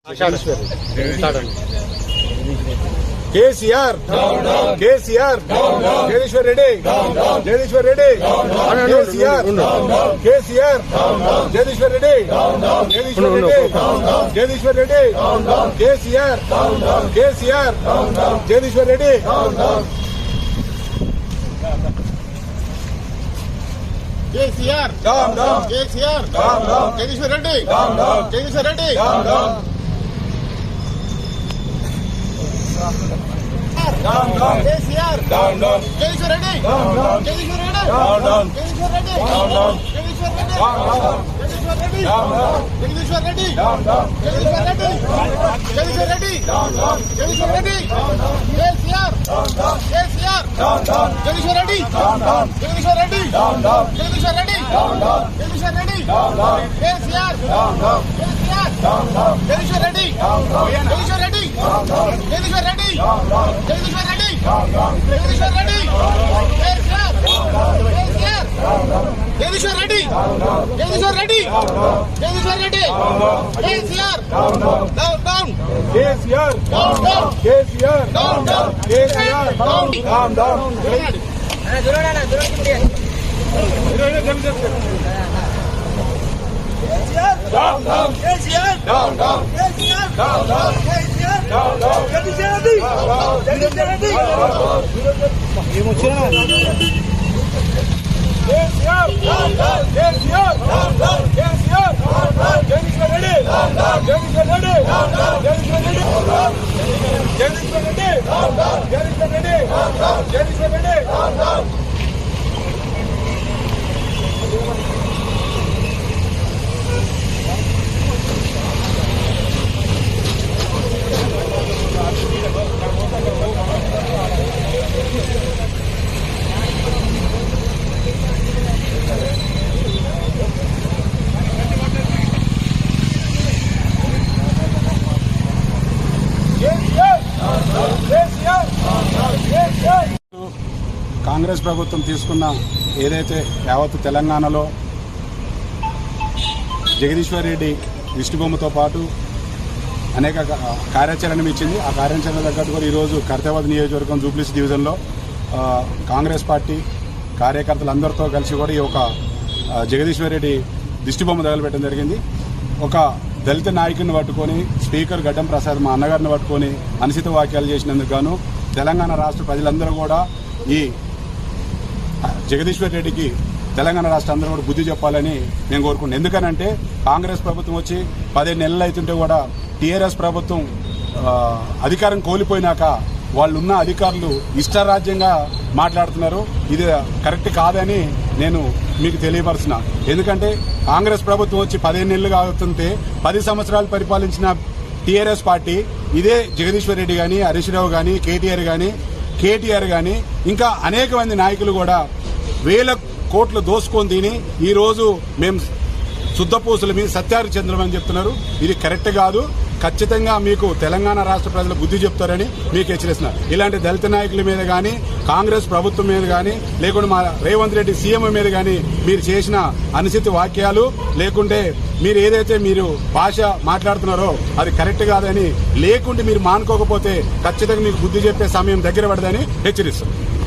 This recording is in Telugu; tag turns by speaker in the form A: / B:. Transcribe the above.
A: KCR KCR Jagadishwar Reddy Jagadishwar Reddy KCR KCR Jagadishwar Reddy Jagadishwar Reddy Jagadishwar Reddy KCR KCR Jagadishwar Reddy
B: KCR KCR Jagadishwar Reddy Jagadishwar Reddy KCR Jagadishwar Reddy Jagadishwar Reddy Jagadishwar Reddy Jagadishwar Reddy Jagadishwar Reddy Jagadishwar Reddy Jagadishwar Reddy Jagadishwar Reddy KCR KCR Jagadishwar Reddy Jagadishwar Reddy Jagadishwar Reddy Jagadishwar Reddy KCR KCR Jagadishwar Reddy Jagadishwar Reddy Jagadishwar Reddy Jagadishwar Reddy Jagadishwar Reddy KCR KCR Jagadishwar Reddy Jagadishwar Reddy Jagadishwar Reddy KCR down down
A: KCR KCR KCR down down
C: Congress ప్రభుత్వం తీసుకున్న ఏదైతే యావత్ తెలంగాణలో జగదీశ్వర్ రెడ్డి దిష్టిబొమ్మతో పాటు అనేక కార్యాచరణ ఇచ్చింది. ఆ కార్యాచరణ తగ్గట్టు కూడా ఈరోజు కర్తవ్య నియోజకవర్గం జూబ్లీస్ డివిజన్లో కాంగ్రెస్ పార్టీ కార్యకర్తలందరితో కలిసి కూడా ఈ యొక్క జగదీశ్వర్ రెడ్డి దిష్టిబొమ్మ తగలబెట్టడం జరిగింది. ఒక దళిత నాయకుడిని పట్టుకొని స్పీకర్ గడ్డం ప్రసాద్ మా అన్నగారిని పట్టుకొని అనుచిత వాక్యాలు చేసినందుకు గాను తెలంగాణ రాష్ట్ర ప్రజలందరూ కూడా ఈ జగదీశ్వర్ రెడ్డికి తెలంగాణ రాష్ట్ర అందరూ కూడా బుద్ధి చెప్పాలని నేను కోరుకుంటున్నాను. ఎందుకనంటే కాంగ్రెస్ ప్రభుత్వం వచ్చి 15 నెలలు అవుతుంటే కూడా టీఆర్ఎస్ ప్రభుత్వం అధికారం కోల్పోయినాక వాళ్ళున్న అధికారులు ఇష్టారాజ్యంగా మాట్లాడుతున్నారు. ఇది కరెక్ట్ కాదని నేను మీకు తెలియపరుస్తున్నా. ఎందుకంటే కాంగ్రెస్ ప్రభుత్వం వచ్చి 15 నెలలు అవుతుంటే 10 సంవత్సరాలు పరిపాలించిన టీఆర్ఎస్ పార్టీ ఇదే జగదీశ్వర్ రెడ్డి కానీ హరీష్ రావు కానీ కేటీఆర్ కానీ ఇంకా అనేక మంది నాయకులు కూడా వేల కోట్లు దోసుకొని తిని ఈరోజు మేము శుద్ధపూసలు మీ సత్యారిచంద్రమని చెప్తున్నారు. ఇది కరెక్ట్ కాదు. ఖచ్చితంగా మీకు తెలంగాణ రాష్ట్ర ప్రజలు బుద్ధి చెప్తారని మీకు హెచ్చరిస్తున్నారు. ఇలాంటి దళిత నాయకుల మీద కానీ కాంగ్రెస్ ప్రభుత్వం మీద కానీ లేకుంటే మా రేవంత్ రెడ్డి సీఎం మీద కానీ మీరు చేసిన అనుచిత వాక్యాలు లేకుంటే మీరు ఏదైతే మీరు భాష మాట్లాడుతున్నారో అది కరెక్ట్ కాదని లేకుంటే మీరు మానుకోకపోతే ఖచ్చితంగా మీకు బుద్ధి చెప్పే సమయం దగ్గర పడదని హెచ్చరిస్తారు.